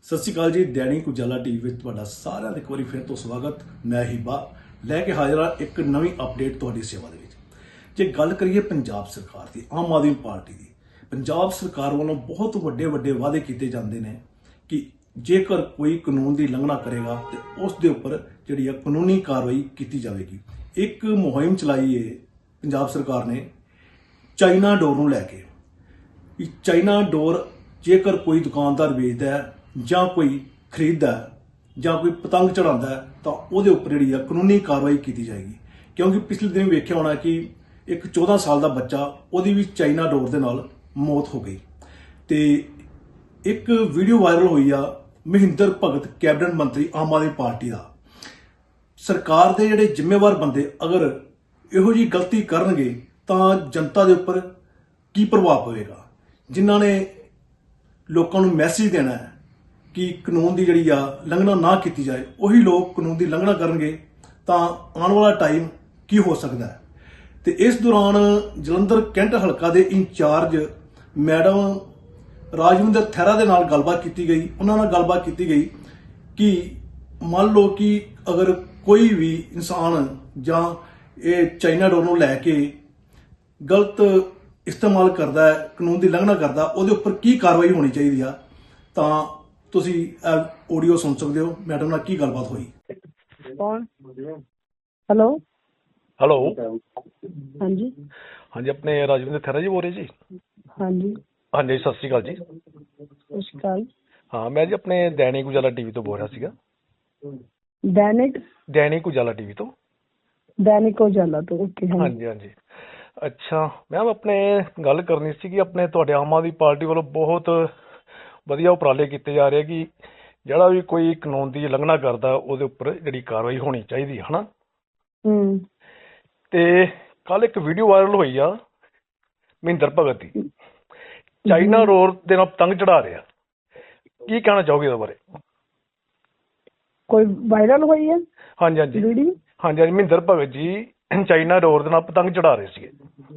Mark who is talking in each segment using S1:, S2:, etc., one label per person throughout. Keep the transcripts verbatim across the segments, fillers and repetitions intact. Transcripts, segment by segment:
S1: ਸਤਿ ਸ਼੍ਰੀ ਅਕਾਲ ਜੀ। ਦੈਨਿਕ ਉਜਾਲਾ ਟੀਵੀ ਵਿੱਚ ਤੁਹਾਡਾ ਸਾਰਿਆਂ ਦਾ ਇੱਕ ਵਾਰੀ ਫਿਰ ਤੋਂ ਸਵਾਗਤ। ਮੈਂ ਹੀਬਾ ਲੈ ਕੇ ਹਾਜ਼ਰ ਹਾਂ ਇੱਕ ਨਵੀਂ ਅਪਡੇਟ ਤੁਹਾਡੀ ਸੇਵਾ ਦੇ ਵਿੱਚ। ਜੇ ਗੱਲ ਕਰੀਏ ਪੰਜਾਬ ਸਰਕਾਰ ਦੀ, ਆਮ ਆਦਮੀ ਪਾਰਟੀ ਦੀ, ਪੰਜਾਬ ਸਰਕਾਰ ਵੱਲੋਂ ਬਹੁਤ ਵੱਡੇ ਵੱਡੇ ਵਾਅਦੇ ਕੀਤੇ ਜਾਂਦੇ ਨੇ ਕਿ ਜੇਕਰ ਕੋਈ ਕਾਨੂੰਨ ਦੀ ਉਲੰਘਣਾ ਕਰੇਗਾ ਤੇ ਉਸ ਦੇ ਉੱਪਰ ਜਿਹੜੀ ਆ ਕਾਨੂੰਨੀ ਕਾਰਵਾਈ ਕੀਤੀ ਜਾਵੇਗੀ। ਇੱਕ ਮੁਹਿੰਮ ਚਲਾਈ ਹੈ ਪੰਜਾਬ ਸਰਕਾਰ ਨੇ ਚਾਈਨਾ ਡੋਰ ਨੂੰ ਲੈ ਕੇ। ਚਾਈਨਾ ਡੋਰ ਜੇਕਰ ਕੋਈ ਦੁਕਾਨਦਾਰ ਵੇਚਦਾ ਹੈ ਜਾਂ ਕੋਈ ਖਰੀਦਦਾ ਹੈ ਜਾਂ ਕੋਈ ਪਤੰਗ ਚੜਾਉਂਦਾ ਹੈ ਤਾਂ ਉਹਦੇ ਉੱਪਰ ਜਿਹੜੀ ਆ ਕਾਨੂੰਨੀ ਕਾਰਵਾਈ ਕੀਤੀ ਜਾਏਗੀ। ਕਿਉਂਕਿ ਪਿਛਲੇ ਦਿਨ ਵੇਖਿਆ ਹੋਣਾ ਕਿ ਇੱਕ ਚੌਦਾਂ ਸਾਲ ਦਾ ਬੱਚਾ, ਉਹਦੀ ਵੀ ਚਾਈਨਾ ਡੋਰ ਦੇ ਨਾਲ ਮੌਤ ਹੋ ਗਈ। ਤੇ ਇੱਕ ਵੀਡੀਓ ਵਾਇਰਲ ਹੋਈ ਆ ਮਹਿੰਦਰ ਭਗਤ, ਕੈਬਨਿਟ ਮੰਤਰੀ ਆਮ ਆਦਮੀ ਪਾਰਟੀ ਦਾ। ਸਰਕਾਰ ਦੇ ਜਿਹੜੇ ਜ਼ਿੰਮੇਵਾਰ ਬੰਦੇ ਅਗਰ ਇਹੋ ਜਿਹੀ ਗਲਤੀ ਕਰਨਗੇ ਤਾਂ ਜਨਤਾ ਦੇ ਉੱਪਰ ਕੀ ਪ੍ਰਭਾਵ ਪਵੇਗਾ। ਜਿਨ੍ਹਾਂ ਨੇ ਲੋਕਾਂ ਨੂੰ ਮੈਸੇਜ ਦੇਣਾ ਹੈ ਕਿ ਕਾਨੂੰਨ ਦੀ ਜਿਹੜੀ ਆ ਉਲੰਘਣਾ ਨਾ ਕੀਤੀ ਜਾਏ, ਉਹੀ ਲੋਕ ਕਾਨੂੰਨ ਦੀ ਉਲੰਘਣਾ ਕਰਨਗੇ ਤਾਂ ਆਉਣ ਵਾਲਾ ਟਾਈਮ ਕੀ ਹੋ ਸਕਦਾ ਹੈ। ਤੇ ਇਸ ਦੌਰਾਨ ਜਲੰਧਰ ਕੈਂਟ ਹਲਕਾ ਦੇ ਇੰਚਾਰਜ ਮੈਡਮ ਰਾਜਵਿੰਦਰ ਥੈਰਾ ਦੇ ਨਾਲ ਗੱਲਬਾਤ ਕੀਤੀ ਗਈ। ਉਹਨਾਂ ਨਾਲ ਗੱਲਬਾਤ ਕੀਤੀ ਗਈ ਕਿ ਮੰਨ ਲਓ ਕਿ ਅਗਰ ਕੋਈ ਵੀ ਇਨਸਾਨ ਜਾਂ ਇਹ ਚਾਈਨਾ ਡੋਰ ਨੂੰ ਲੈ ਕੇ ਗਲਤ ਇਸਤੇਮਾਲ ਕਰਦਾ ਹੈ, ਕਾਨੂੰਨ ਦੀ ਉਲੰਘਣਾ ਕਰਦਾ, ਉਹਦੇ ਉੱਪਰ ਕੀ ਕਾਰਵਾਈ ਹੋਣੀ ਚਾਹੀਦੀ ਆ। ਤਾਂ ਤੁਸੀਂ ਇਹ ਆਡੀਓ ਸੁਣ ਸਕਦੇ ਹੋ ਮੈਡਮ ਨਾਲ ਕੀ ਗੱਲਬਾਤ ਹੋਈ।
S2: ਕੌਣ? ਹੈਲੋ
S3: ਹੈਲੋ
S2: ਹਾਂਜੀ
S3: ਹਾਂਜੀ, ਆਪਣੇ ਰਾਜਵਿੰਦਰ ਥੈਰਾ ਜੀ ਬੋਲ ਰਹੇ ਜੀ?
S2: ਹਾਂਜੀ
S3: ਹਾਂਜੀ, ਸਤਿ ਸ਼੍ਰੀ ਅਕਾਲ ਜੀ।
S2: ਸਤਿ ਸ਼੍ਰੀ ਅਕਾਲ।
S3: ਹਾਂ, ਮੈਂ ਜੀ ਆਪਣੇ ਦੈਨਿਕ ਉਜਾਲਾ ਟੀਵੀ ਤੋਂ ਬੋਲ ਰਿਹਾ ਸੀਗਾ।
S2: ਦੈਨਿਕ
S3: ਦੈਨਿਕ ਉਜਾਲਾ ਟੀਵੀ ਤੋਂ।
S2: ਦੈਨਿਕ ਉਜਾਲਾ ਤੋਂ, ਓਕੇ।
S3: ਹਾਂਜੀ ਹਾਂਜੀ, ਅੱਛਾ ਮੈਮ, ਆਪਣੇ ਗੱਲ ਕਰਨੀ ਸੀ ਕਿ ਆਪਣੇ ਤੁਹਾਡੇ ਆਮ ਆਦਮੀ ਪਾਰਟੀ ਵੱਲੋਂ ਬਹੁਤ ਵਧੀਆ ਉਪਰਾਲੇ ਕੀਤੇ ਜਾ ਰਹੇ ਕਿ ਜਿਹੜਾ ਵੀ ਕੋਈ ਕਾਨੂੰਨ ਦੀ ਉਲੰਘਣਾ ਕਰਦਾ ਉਹਦੇ ਉੱਪਰ ਜਿਹੜੀ ਕਾਰਵਾਈ ਹੋਣੀ ਚਾਹੀਦੀ ਹੈ, ਹਨਾ।
S2: ਹੂੰ।
S3: ਤੇ ਕੱਲ ਇੱਕ ਵੀਡੀਓ ਵਾਇਰਲ ਹੋਈ ਆ ਮਹਿੰਦਰ ਭਗਤ ਦੀ, ਚਾਈਨਾ ਡੋਰ ਦੇ ਨਾਲ ਪਤੰਗ ਚੜਾ ਰਿਹਾ। ਕੀ ਕਹਿਣਾ ਚਾਹੋਗੇ ਇਹਦੇ ਬਾਰੇ?
S2: ਕੋਈ ਵਾਇਰਲ ਹੋਈ ਹੈ?
S3: ਹਾਂਜੀ ਹਾਂਜੀ
S2: ਵੀਡੀਓ? ਹਾਂਜੀ
S3: ਹਾਂਜੀ, ਮਹਿੰਦਰ ਭਗਤ ਜੀ ਚਾਈਨਾ ਡੋਰ ਦੇ ਨਾਲ ਪਤੰਗ ਚੜਾ ਰਹੇ ਸੀਗੇ।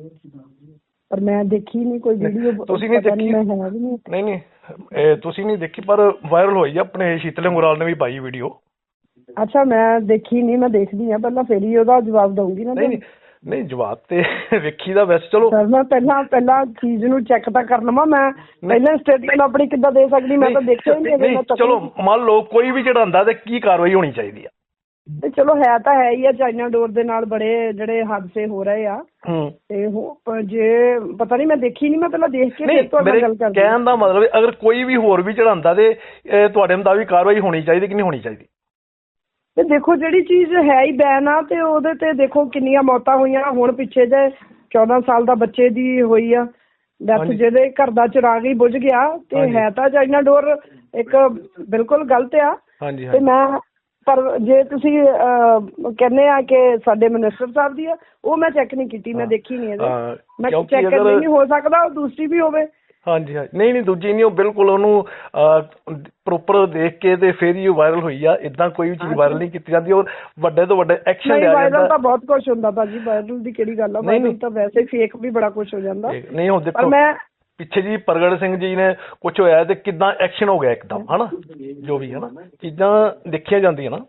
S2: ਪਰ ਮੈਂ ਦੇਖੀ ਨਹੀਂ ਕੋਈ ਵੀਡੀਓ।
S3: ਤੁਸੀਂ ਨਹੀਂ ਦੇਖੀ? ਨਹੀਂ ਨਹੀਂ, ਇਹ ਤੁਸੀਂ ਨਹੀਂ ਦੇਖੀ, ਪਰ ਵਾਇਰਲ ਹੋਈ ਆ। ਆਪਣੇ ਸ਼ੀਤਲ ਅੰਗਰਾਲ ਨੇ ਵੀ ਪਾਈ ਵੀਡੀਓ।
S2: ਅੱਛਾ, ਮੈਂ ਦੇਖੀ ਨਹੀਂ, ਮੈਂ ਦੇਖਦੀ ਆ ਪਹਿਲਾਂ, ਫਿਰ ਹੀ ਉਹਦਾ ਜਵਾਬ ਦਊਂਗੀ ਨਾ।
S3: ਨਹੀਂ ਨਹੀਂ, ਜਵਾਬ ਤੇ ਵੇਖੀ ਦਾ ਵੈਸੇ। ਚਲੋ
S2: ਸਰ, ਮੈਂ ਪਹਿਲਾਂ ਪਹਿਲਾਂ ਚੀਜ਼ ਨੂੰ ਚੈੱਕ ਤਾਂ ਕਰ ਲਵਾਂ। ਮੈਂ ਪਹਿਲਾਂ ਸਟੇਟਮੈਂਟ ਆਪਣੀ ਕਿੱਦਾਂ ਦੇ ਸਕਦੀ? ਮੈਂ ਤਾਂ ਦੇਖਿਆ ਹੀ ਨਹੀਂ।
S3: ਚਲੋ ਮੰਨ ਲਓ ਕੋਈ ਵੀ ਚੜਾਉਂਦਾ ਤੇ ਕੀ ਕਾਰਵਾਈ ਹੋਣੀ ਚਾਹੀਦੀ ਆ?
S2: ਤੇ ਚਲੋ ਹੈ ਤਾਂ ਹੈ ਹੀ ਆ, ਚਾਈਨਾ ਡੋਰ ਦੇ ਨਾਲ ਬੜੇ ਜਿਹੜੇ ਹਾਦਸੇ ਹੋ ਰਹੇ ਆ। ਤੇ ਜੇ ਪਤਾ ਨਹੀਂ, ਮੈਂ ਦੇਖੀ ਨਹੀਂ, ਮੈਂ ਪਹਿਲਾਂ ਦੇਖ ਕੇ ਫਿਰ ਤੁਹਾਡੇ ਨਾਲ ਗੱਲ ਕਰਦੀ।
S3: ਕਹਿਣ ਦਾ ਮਤਲਬ ਅਗਰ ਕੋਈ ਵੀ ਹੋਰ ਵੀ ਚੜਾਉਂਦਾ ਤੇ ਤੁਹਾਡੇ ਮੁਤਾਬਿਕ ਕਾਰਵਾਈ ਹੋਣੀ ਚਾਹੀਦੀ ਕਿ ਨਹੀਂ ਹੋਣੀ ਚਾਹੀਦੀ?
S2: ਤੇ ਦੇਖੋ, ਜਿਹੜੀ ਚੀਜ਼ ਹੈ ਹੀ ਬੈਨ ਆ ਤੇ ਉਹਦੇ ਤੇ ਦੇਖੋ ਕਿੰਨੀਆਂ ਮੌਤਾਂ ਹੋਈਆਂ। ਹੁਣ ਪਿੱਛੇ ਜੇ ਚੌਦਾਂ ਸਾਲ ਦਾ ਬੱਚੇ ਦੀ ਹੋਈ ਆ ਡੈਥ, ਜਿਹਦੇ ਘਰ ਦਾ ਚਿਰਾਗ ਹੀ ਬੁਝ ਗਿਆ। ਤੇ ਹੈ ਤਾਂ ਚਾਈਨਾ ਡੋਰ ਇੱਕ ਬਿਲਕੁਲ ਗਲਤ ਆ। ਤੇ ਮੈਂ ਪਰ ਜੇ ਤੁਸੀਂ ਕਹਿੰਦੇ ਆ ਕਿ ਸਾਡੇ ਮਿਨਿਸਟਰ ਸਾਹਿਬ ਦੀ ਆ, ਉਹ ਮੈਂ ਚੈੱਕ ਨਹੀਂ ਕੀਤੀ, ਮੈਂ ਦੇਖੀ ਨਹੀਂ ਇਹਦੇ। ਮੈਂ ਚੈੱਕ ਕਰਨੀ, ਨਹੀਂ ਹੋ ਸਕਦਾ ਦੂਸਰੀ ਵੀ ਹੋਵੇ। ਹਾਂਜੀ ਹਾਂਜੀ, ਨਹੀਂ ਨਹੀਂ, ਦੂਜੀ ਨਹੀਂ, ਉਹ ਬਿਲਕੁਲ ਉਹਨੂੰ ਪ੍ਰੋਪਰ ਦੇਖ ਕੇ ਤੇ ਫਿਰ ਹੀ ਵਾਇਰਲ ਹੋਈ ਆ। ਏਦਾਂ ਕੋਈ ਵੀ ਚੀਜ਼ ਵਾਇਰਲ ਨਹੀਂ ਕੀਤੀ ਜਾਂਦੀ, ਔਰ ਵੱਡੇ ਤੋਂ ਵੱਡੇ ਐਕਸ਼ਨ ਲਿਆ ਜਾਂਦਾ। ਵਾਇਰਲ ਤਾਂ ਬਹੁਤ ਕੁਛ ਹੁੰਦਾ ਭਾਜੀ, ਵਾਇਰਲ ਦੀ ਕਿਹੜੀ ਗੱਲ ਆ। ਵਾਇਰਲ ਤਾਂ ਵੈਸੇ ਫੇਕ ਵੀ ਬੜਾ ਕੁਛ ਹੋ ਜਾਂਦਾ। ਨਹੀਂ ਹੁਣ ਦੇਖੋ, ਮੈਂ ਪਿੱਛੇ ਜੀ ਪ੍ਰਗਟ ਸਿੰਘ ਜੀ ਨੇ ਕੁਛ ਹੋਇਆ ਤੇ ਕਿੱਦਾਂ ਐਕਸ਼ਨ ਹੋ ਗਿਆ ਇੱਕਦਮ, ਹਨਾ। ਜੋ ਵੀ ਹਨਾ ਚੀਜ਼ਾਂ ਦੇਖੀਆਂ ਜਾਂਦੀਆਂ ਨਾ।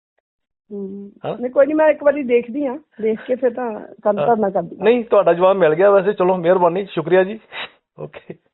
S2: ਨਹੀਂ ਕੋਈ ਨਹੀਂ, ਮੈਂ ਇੱਕ ਵਾਰੀ ਦੇਖਦੀ ਹਾਂ, ਦੇਖ ਕੇ ਫਿਰ ਤਾਂ ਗੱਲ ਕਰਨਾ ਕਰਦੀ। ਨਹੀਂ, ਤੁਹਾਡਾ ਜਵਾਬ ਮਿਲ ਗਿਆ ਵੈਸੇ। ਚਲੋ ਮਿਹਰਬਾਨੀ, ਸ਼ੁਕਰੀਆ ਜੀ। ਓਕੇ।